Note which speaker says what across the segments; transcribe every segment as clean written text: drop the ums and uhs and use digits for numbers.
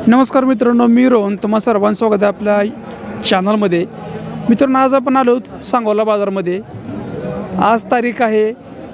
Speaker 1: नमस्कार मित्रांनो, मी रोहन तुम्हा सर्वांचं स्वागत आहे आपल्या चॅनलमध्ये. मित्रांनो, आज आपण आलो सांगोला बाजारमध्ये. आज तारीख आहे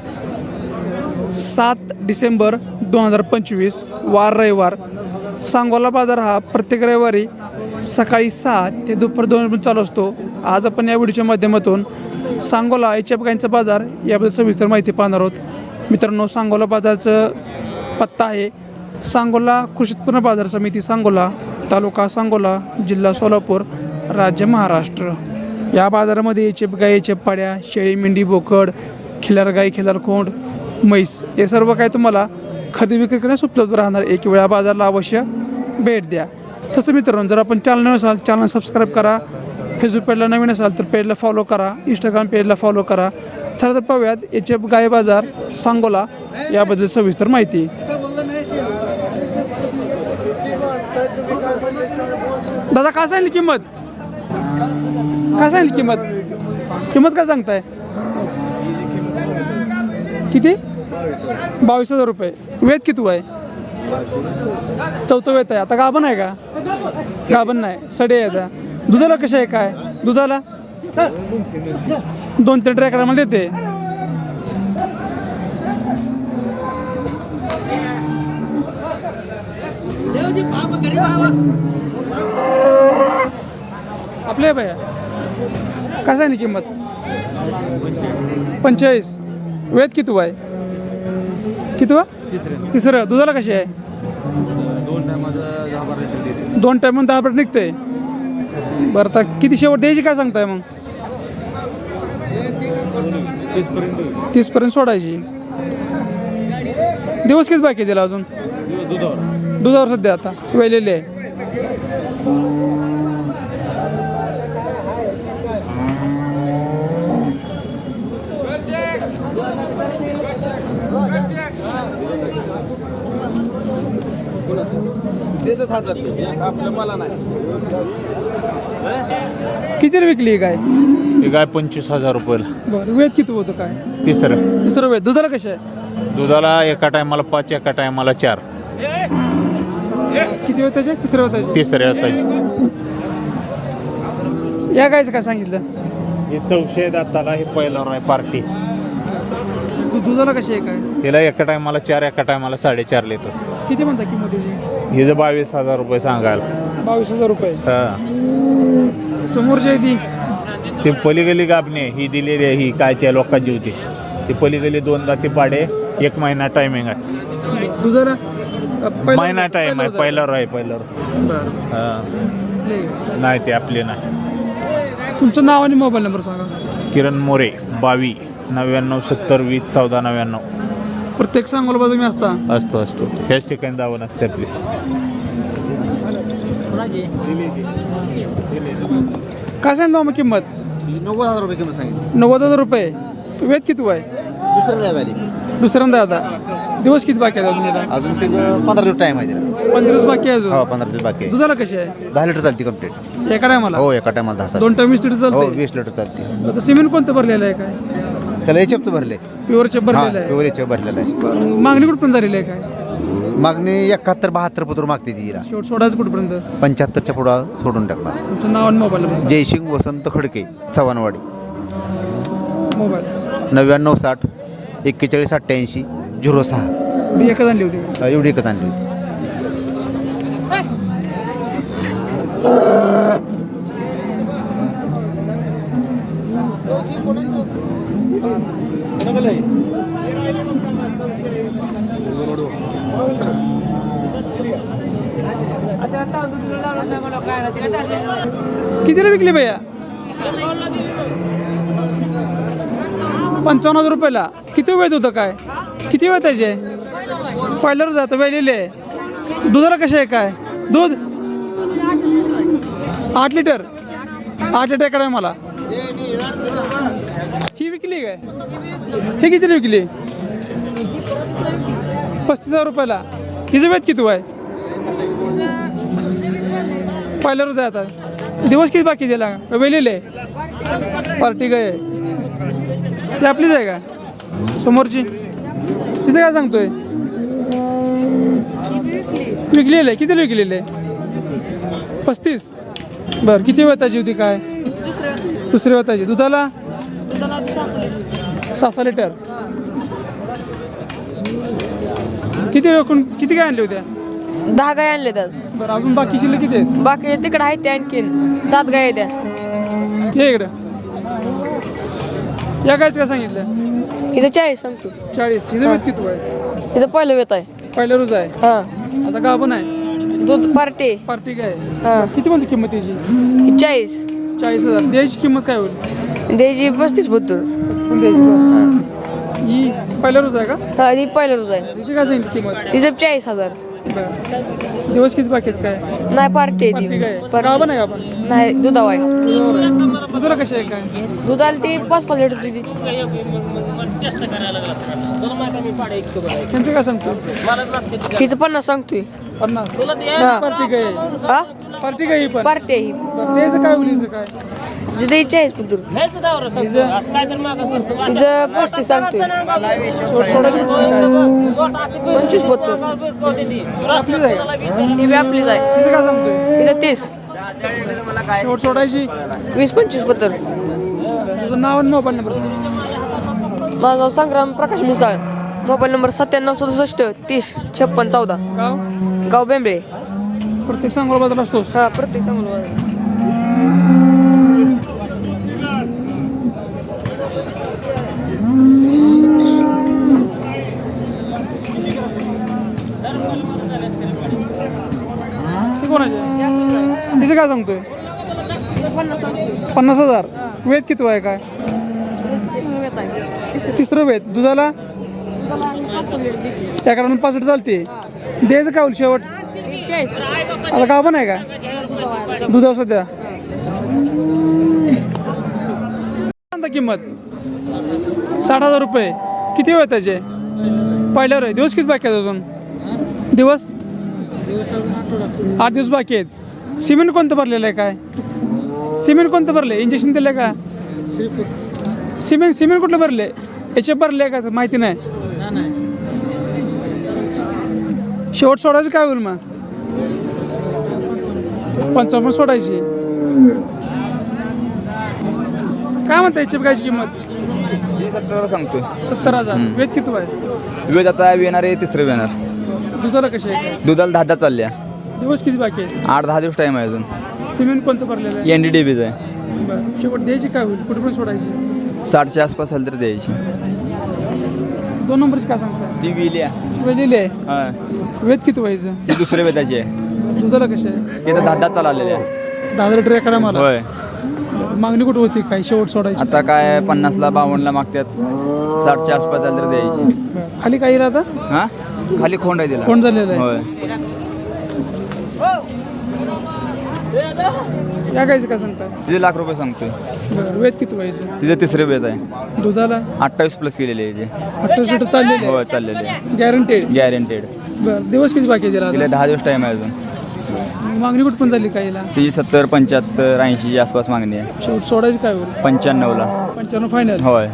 Speaker 1: 7 डिसेंबर 2025, वार रविवार. सांगोला बाजार हा प्रत्येक रविवारी सकाळी 6 ते दुपार 2 पर्यंत चालू असतो. आज आपण या व्हिडिओच्या माध्यमातून सांगोला एच एफ गायींचा बाजार याबद्दल सविस्तर माहिती पाहणार आहोत. मित्रांनो, सांगोला बाजारचं पत्ता आहे सांगोला कृषी उत्पन्न बाजार समिती सांगोला, तालुका सांगोला, जिल्हा सोलापूर, राज्य महाराष्ट्र. या बाजारामध्ये एच एफ गाई, एच एफ पाड्या, शेळी, मेंढी, बोकड, खिलार गाई, खिलार खोंड, म्हैस हे सर्व काही तुम्हाला खरेदी विक्री करण्यास उपलब्ध राहणार. एक वेळा बाजारला अवश्य भेट द्या. तसं मित्रांनो, जर आपण चॅनल नवीन असाल चॅनल सबस्क्राईब करा. फेसबुक पेजला नवीन असाल तर पेजला फॉलो करा. इंस्टाग्राम पेजला फॉलो करा. तर पाहूयात एच एफ गाई बाजार सांगोला याबद्दल सविस्तर माहिती. दादा, काय सांगितली किंमत? काय सांगितली किंमत? किंमत काय सांगताय? किती? 22,000 रुपये. वेद किती आहे? 4थं वेत आहे. आता गाभण आहे का? गाभण नाही, सडे आहे. आता दुधाला कशा आहे? काय दुधाला 2-3 ट्रॅकर मला देते. आपले भैया काय सांगली किंमत? 45. वेद किती आहे? किती वा? तिसरं. दुधाला कशी आहे? 2 टायम 10 पर्यंत निघते. बरं, आता किती शेवट द्यायची काय सांगताय मग? 30 पर्यंत सोडायची. दिवस किती बाकी दिला अजून? दुधावर सध्या आता वेलेले आहे. किती विकली काय?
Speaker 2: ही गाय 25,000 रुपयाला.
Speaker 1: बरं, वेद किती होतं काय?
Speaker 2: तिसरं
Speaker 1: वेद. दुधाला कशा आहे?
Speaker 2: दुधाला एका टायमाला 5, एका टायमाला 4.
Speaker 1: किती वेळ त्याचे? तिसऱ्या वेताचे.
Speaker 2: तिसऱ्या होताची.
Speaker 1: या गायचं काय सांगितलं?
Speaker 2: हे 400 दाताला. हे पहिल्यावर आहे पार्टी.
Speaker 1: दुधाला कशी आहे काय?
Speaker 2: हिला एका टायमाला 4, एका टायमाला 4.5 लिटर.
Speaker 1: किती म्हणता किंमत त्याची?
Speaker 2: हिचं 22,000 रुपये सांगायला.
Speaker 1: 22,000 रुपये.
Speaker 2: हा,
Speaker 1: समोरची आहे ती
Speaker 2: ती पलीगली गाभणे ही दिलेली आहे. ही काय त्या लोकांची होती ती पलीगली 2 दाती पाडे. 1 महिना टायमिंग आहे.
Speaker 1: दुधाला
Speaker 2: महिना टाइम आहे. पहिल्यावर आहे. पहिल्यावर.
Speaker 1: बरं.
Speaker 2: नाही ते आपले नाही.
Speaker 1: तुमचं नाव आणि मोबाईल नंबर सांगा.
Speaker 2: किरण मोरे, 22 99 70 20 14 99.
Speaker 1: प्रत्येक सांगोला बाजू मी असता
Speaker 2: असतो. ह्याच ठिकाणी दावण असते आपली.
Speaker 1: काय सांगितलं मग किंमत?
Speaker 3: 90,000 रुपये किंमत सांगितली.
Speaker 1: 90,000 रुपये. वेद किती आहे?
Speaker 3: दुसऱ्या झाली.
Speaker 1: दुसऱ्यांदा. आता दिवस किती बाकी आहेत अजून याला?
Speaker 3: अजून तिथं 15 दिवस टाइम आहे तिला.
Speaker 1: 15 दिवस बाकी आहे अजून.
Speaker 3: हो, 15 दिवस बाकी आहे.
Speaker 1: दुधाला कशी आहे?
Speaker 3: 10 लिटर चालते कम्प्लीट.
Speaker 1: एका टायमाला?
Speaker 3: हो, एका टायमाला 10.
Speaker 1: 2 टाइम 20 लिटर
Speaker 3: हो,
Speaker 1: चालते.
Speaker 3: 20 लिटर चालते.
Speaker 1: आता सिमेंट कोणतं भरलेलं आहे काय?
Speaker 3: त्याला एचएफ भरले.
Speaker 1: प्युअरचे भरलेलं आहे.
Speaker 3: प्युअर एचएफ भरलेला आहे.
Speaker 1: बरं, मागणी कुठपर्यंत झालेली आहे काय?
Speaker 3: मागणी 71-72 पत्र मागते ती तिला.
Speaker 1: शेवट सोडायचं कुठपर्यंत?
Speaker 3: 75च्या पुढं सोडून टाकणार.
Speaker 1: तुमचं नाव आणि मोबाईल नंबर सांगा.
Speaker 3: जयसिंग वसंत खडके, चव्हाणवाडी.
Speaker 1: मोबाईल
Speaker 3: 99 60 41 88 06.
Speaker 1: मी एकच आणली होती.
Speaker 3: एवढी एकच आणली होती.
Speaker 1: कितीला विकली भैया? 55,000 रुपयाला. किती वेळ होतं काय? किती वेळ त्याचे? पहिल्यावर जातं वेळलेले. दुधाला कसे आहे काय? दूध 8 लिटर. 8 लिटर कडे मला. ही विकली काय? हे कितीला विकली? 35,000 रुपयाला. हिचं वेद किती आहे? पहिल्यावर जातात. दिवस किती बाकी दिला? वेलेले पार्टी काय ती आपलीच आहे का समोरची? तिचं काय सांगतोय? विकलेलं आहे. किती विकलेलं आहे? 35. बरं किती वेताची होती काय? दुसऱ्या वेताची. दुधाला 6 लिटर. किती काय आणले होत्या?
Speaker 4: 10 गाय आणले त्यात.
Speaker 1: बरं अजून बाकी शिल्लक किती आहेत?
Speaker 4: बाकी तिकडे आहेत त्या आणखीन 7 गाय आहेत त्या.
Speaker 1: ये इकडं. या गायचं काय सांगितलं?
Speaker 4: हिचं 40 सांगतो.
Speaker 1: 40. हिचं वेत किती आहे?
Speaker 4: हिचं पहिलं वेत आहे.
Speaker 1: पहिल्या रोज आहे.
Speaker 4: हां
Speaker 1: आता गाभण आहे.
Speaker 4: दूध पार्टी.
Speaker 1: पार्टी काय?
Speaker 4: हां
Speaker 1: किती म्हणते किंमत त्याची?
Speaker 4: ही 40.
Speaker 1: 40,000. द्यायची किंमत काय होईल?
Speaker 4: द्यायची 35-72.
Speaker 1: पण द्यायची बरं. ही पहिल्या रोज आहे का?
Speaker 4: हा ही पहिलं रोज आहे.
Speaker 1: तिची काय सांगितली किंमत?
Speaker 4: तिचं 40,000.
Speaker 1: बरं. दिवस किती बाकी आहेत काय?
Speaker 4: नाही पार्टी आहे
Speaker 1: पार्टी काय?
Speaker 4: ती.
Speaker 1: गाभण आहे का आपण?
Speaker 4: नाही दुधाव आहे.
Speaker 1: दुधावर आहे. दुधाला कशी आहे काय?
Speaker 4: दूध आली ती 5-5 लिटर तुझी.
Speaker 1: त्यांचं काय सांगतो?
Speaker 4: हिचं 50 सांगतोय.
Speaker 1: 50.
Speaker 4: हा.
Speaker 1: पार्टी काय?
Speaker 4: हा
Speaker 1: पार्टी काय ही पण?
Speaker 4: पार्टी आहे ही.
Speaker 1: बरं, द्यायचं काय होईल हिचं काय?
Speaker 4: तिचं द्यायची 40 तिचं 35 सांगतोय.
Speaker 1: सोडायची कुठली काय?
Speaker 4: 25-72.
Speaker 1: आपलीच आहे का?
Speaker 4: ही बी आपलीच आहे.
Speaker 1: तिचं काय सांगतोय?
Speaker 4: तिचं 30.
Speaker 1: सोडायची.
Speaker 4: 20-25-72.
Speaker 1: तुझं नाव आणि मोबाईल नंबर.
Speaker 4: माझं नाव संग्राम प्रकाश मिसाळ. Mobile number 9767 30 56 14.
Speaker 1: गाव
Speaker 4: गाव बेंबळे.
Speaker 1: प्रत्येक सांगोला बदल असतोस.
Speaker 4: हा प्रत्येक सांगू.
Speaker 1: ते कोणाचे? तिचं काय सांगतोय? 50,000. वेद किती आहे काय? तिसरं वेद. दुधाला त्याकडून 5 लिटर चालते. द्यायचं काय होईल शेवट? आता गाव पण आहे का दुधावर सध्या? किंमत 60,000 रुपये. किती वेळ त्याचे? पहिल्यावर आहे. दिवस किती बाकी आहेत अजून? दिवस 8 दिवस बाकी आहेत. सिमेंट कोणतं भरलेलं आहे काय? सिमेंट कोणतं भरले? इंजेक्शन दिलं का? सिमेंट कुठलं भरले? याचे भरले का माहिती नाही. शेवट सोडायचं काय होईल मग? 55 सोडायची. काय म्हणता याची गायची किंमत?
Speaker 3: 70 सांगतोय.
Speaker 1: 70,000. वेद किती आहे?
Speaker 3: वेळ आता येणार आहे तिसरं येणार.
Speaker 1: दुधाला कशी आहे?
Speaker 3: दुधाला 10 चालल्या.
Speaker 1: दिवस किती बाकी आहेत?
Speaker 3: 8-10 दिवस टाईम आहे अजून.
Speaker 1: सिमेंट कोणतं भरलेलं आहे?
Speaker 3: NDDBच आहे.
Speaker 1: बरं शेवट द्यायची काय होईल? कुठे पण सोडायची?
Speaker 3: 60च्या आसपास आली तर द्यायची.
Speaker 1: 2 नंबरची काय सांगता?
Speaker 3: ती विल्या.
Speaker 1: वेलेली आहे.
Speaker 3: हां
Speaker 1: वेद किती व्हायचं?
Speaker 3: ती दुसऱ्या वेताची आहे.
Speaker 1: दुधाला कशी आहे?
Speaker 3: ती तर 10 चाललेली आहे.
Speaker 1: 10 लिटर एकडा मला.
Speaker 3: होय.
Speaker 1: मागणी कुठं होती काय शेवट सोडायची?
Speaker 3: आता काय 50ला 52ला मागतात. 60च्या आसपास आली तर द्यायची.
Speaker 1: बरं. खाली काही राहता?
Speaker 3: हां खाली खोंड आहे तिला.
Speaker 1: कोण झालेलं आहे?
Speaker 3: होय.
Speaker 1: या गायचं काय सांगता?
Speaker 3: तिथे लाख रुपये सांगतोय.
Speaker 1: बरं वेद किती व्हायचं?
Speaker 3: तिथे तिसरे वेत आहे.
Speaker 1: दुधाला
Speaker 3: 28 प्लस केलेली आहे
Speaker 1: 28 लिटर चाललेले
Speaker 3: हो चाललेली आहे.
Speaker 1: गॅरंटेड.
Speaker 3: गॅरंटेड.
Speaker 1: बरं दिवस किती बाकी आहे
Speaker 3: तिला
Speaker 1: तिला?
Speaker 3: 10 दिवस टाईम आहे अजून.
Speaker 1: मागणी कुठं पण झाली काहीला?
Speaker 3: तिची 70 75 80 आसपास मागणी आहे.
Speaker 1: शेवट सोडायची काय होईल?
Speaker 3: 95ला.
Speaker 1: 95 फायनल.
Speaker 3: होय.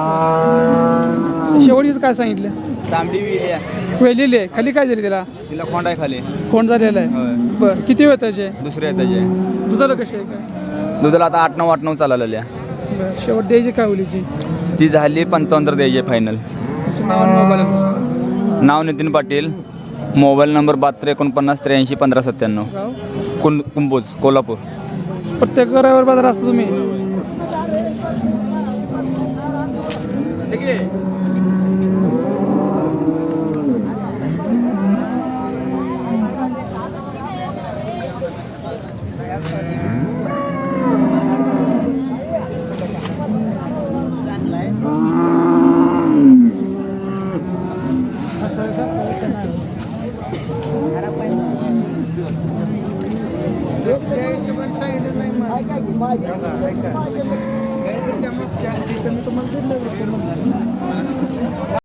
Speaker 1: शेवटीच काय सांगितलं?
Speaker 3: तांबडी विली आहे.
Speaker 1: वेलेली आहे. खाली काय झाली त्याला?
Speaker 3: तिला खोंड आहे खाली.
Speaker 1: कोण झालेलं आहे?
Speaker 3: होय.
Speaker 1: बरं किती वेळ त्याचे?
Speaker 3: दुसऱ्या त्याचे
Speaker 1: दुधाला कशी आहे काय?
Speaker 3: दुधाला आता 8-9 चाललेली आहे.
Speaker 1: बरं शेवट द्यायची काय होईल हिची?
Speaker 3: ती झाली 55 तर द्यायची फायनल.
Speaker 1: तुमचं नाव आणि मोबाईल नंबर.
Speaker 3: नाव नितीन पाटील. Mobile number 72 49 83 15 97.
Speaker 1: गाव?
Speaker 3: कुंभोज कोल्हापूर.
Speaker 1: प्रत्येक रविवार बाजार असतो तुम्ही?